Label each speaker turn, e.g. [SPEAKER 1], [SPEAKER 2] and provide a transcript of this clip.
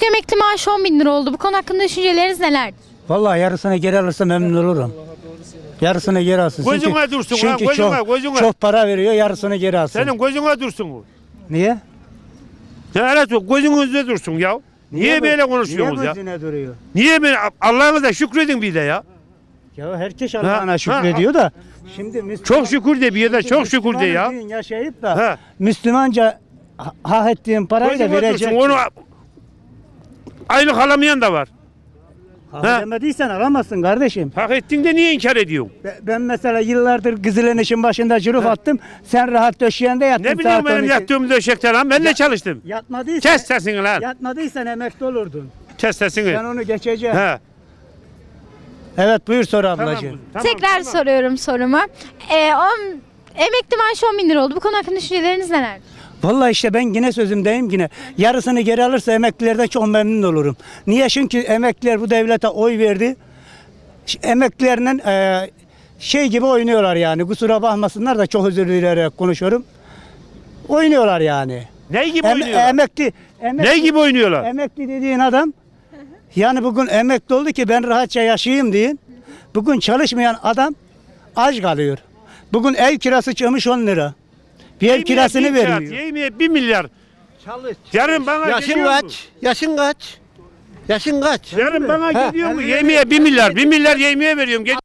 [SPEAKER 1] emekli maaşı 10 bin lira oldu. Bu konu hakkında düşünceleriniz nelerdir?
[SPEAKER 2] Vallahi yarısını geri alırsa memnun olurum. Yarısını geri alsın.
[SPEAKER 3] Gözüne dursun ha,
[SPEAKER 2] çünkü çok para veriyor, yarısını geri alsın.
[SPEAKER 3] Senin gözüne dursun bu.
[SPEAKER 2] Niye?
[SPEAKER 3] Evet, gözünüzde dursun ya. Niye böyle konuşuyorsunuz
[SPEAKER 2] niye
[SPEAKER 3] ya?
[SPEAKER 2] gözüne duruyor?
[SPEAKER 3] Niye böyle Allah'ınıza şükredin bir de ya.
[SPEAKER 2] Ya herkes Allah'ına şükrediyor da. Şimdi
[SPEAKER 3] Çok şükür de bir de çok şükür de ya.
[SPEAKER 2] Müslüman yaşayıp da
[SPEAKER 3] Ha.
[SPEAKER 2] Müslümanca hak ettiğin parayı da
[SPEAKER 3] Gözüne
[SPEAKER 2] verecek.
[SPEAKER 3] dursun, onu aylık alamayan da var.
[SPEAKER 2] Hak
[SPEAKER 3] Ha.
[SPEAKER 2] edemediysen alamazsın kardeşim.
[SPEAKER 3] Hak ettin de niye inkar ediyorsun?
[SPEAKER 2] Ben mesela yıllardır Kızıl'ın işin başında cüruf attım. Sen rahat döşeğinde yattın.
[SPEAKER 3] Ne bileyim
[SPEAKER 2] saat
[SPEAKER 3] benim
[SPEAKER 2] 12.
[SPEAKER 3] yattığım döşekte lan, ben de çalıştım.
[SPEAKER 2] Yatmadıysan,
[SPEAKER 3] Kes sesini lan.
[SPEAKER 2] yatmadıysan emekli olurdun.
[SPEAKER 3] Kes sesini.
[SPEAKER 2] Sen onu geçeceksin.
[SPEAKER 3] He.
[SPEAKER 2] Evet buyur sor
[SPEAKER 3] Tamam,
[SPEAKER 2] ablacığım.
[SPEAKER 1] Tekrar soruyorum sorumu. Emekli maaşı 10 bin lira oldu. Bu konu hakkında düşünceleriniz nelerdir?
[SPEAKER 2] Vallahi işte ben yine sözümdeyim yine. Yarısını geri alırsa emeklilerden çok memnun olurum. Niye? Çünkü emekliler bu devlete oy verdi. Emeklilerinin şey gibi oynuyorlar yani. Kusura bakmasınlar da çok özür dileyerek konuşuyorum. Oynuyorlar yani.
[SPEAKER 3] Ne gibi oynuyorlar?
[SPEAKER 2] Emekli
[SPEAKER 3] Ne gibi oynuyorlar?
[SPEAKER 2] emekli dediğin adam yani bugün emekli oldu ki ben rahatça yaşayayım deyin. Bugün çalışmayan adam aç kalıyor. Bugün ev kirası çıkmış 10 lira. Bir ev kirasını vermiyor.
[SPEAKER 3] Yemeğe 1 milyar.
[SPEAKER 4] Çalış.
[SPEAKER 3] Yarın bana
[SPEAKER 4] Yaşın
[SPEAKER 3] geliyor mu?
[SPEAKER 4] kaç? Yaşın kaç? Yaşın kaç?
[SPEAKER 3] Yarın bana
[SPEAKER 4] Ha.
[SPEAKER 3] geliyor mu? Yemeğe 1 milyar. 1 milyar yemeğe veriyorum.